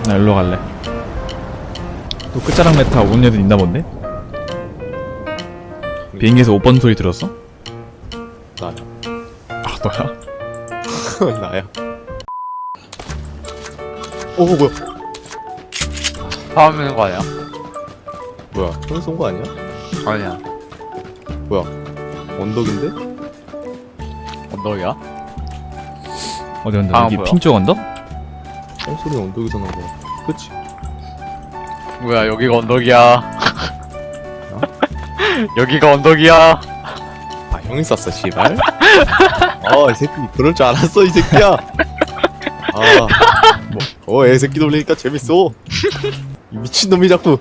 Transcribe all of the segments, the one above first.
나 일로 갈래. 또 끝자락 메타 오는 애들 있나 본데? 비행기에서 5번 소리 들었어? 나야. 아 너야? 나야. 뭐야? 싸우는 거 아니야? 뭐야? 형이 쏜 거 아니야? 아니야. 뭐야? 언덕인데? 언덕이야? 어디 언덕? 아, 여기 뭐야? 핑 쪽 언덕? 형 소리 언덕에서 난 거야. 그치? 뭐야, 여기가 언덕이야. 여기가 언덕이야. 아 형이 쐈어 씨발. 이 새끼 그럴 줄 알았어 이 새끼야. 애 새끼 돌리니까 재밌어. 이 미친 놈이 자꾸.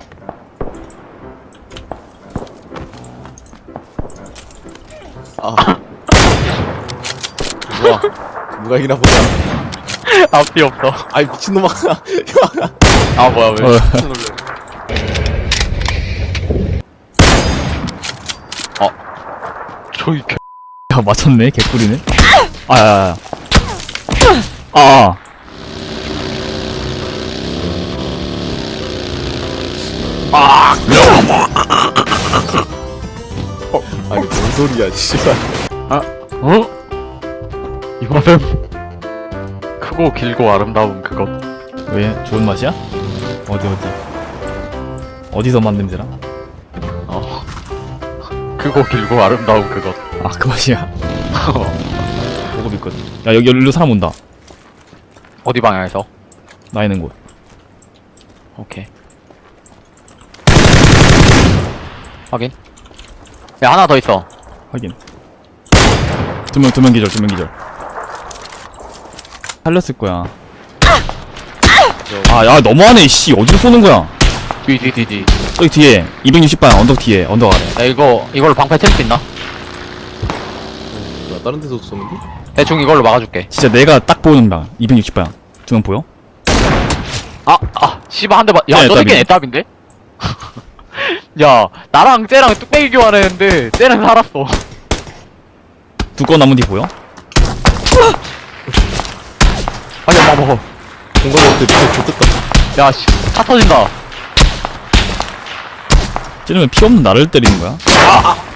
누가 이기나 보자. 앞이 없어. 아이 미친 놈아. 아, 뭐야, 왜? 저기 개. 야 맞췄네 개꿀이네. 아야야야. 아. 아니 뭔 소리야 씨발. 어? 이거는 크고 길고 아름다운 그것. 왜 좋은 맛이야? 어디 어디서 만 냄새나? 크고 길고 아름다운 그것. 아 그 맛이야. 보고 있거든. 야 여기 일로 사람 온다. 어디 방향에서? 나 있는 곳. 오케이. 확인. 야, 하나 더 있어. 확인. 두 명 기절. 살렸을 거야. 아, 야, 너무하네, 씨. 어디로 쏘는 거야? 뒤. 저기 뒤에, 260방, 언덕 뒤에, 언덕 아래. 야, 이걸로 방패 칠 수 있나? 뭐야 다른 데서 쏘는데? 대충 이걸로 막아줄게. 진짜 내가 딱 보이는 방, 260방. 두 명 보여? 씨발 한 대 맞. 야, 저 새끼는 애답인데? 야, 나랑 쟤랑 뚝배기 교환했는데 쟤는 살았어. 두꺼운 나무 뒤 보여? 아니, 엄마 먹어. 공간 없대 진짜 좋겠다. 야, 씨, 차 터진다. 쟤는 왜 피 없는 나를 때리는 거야?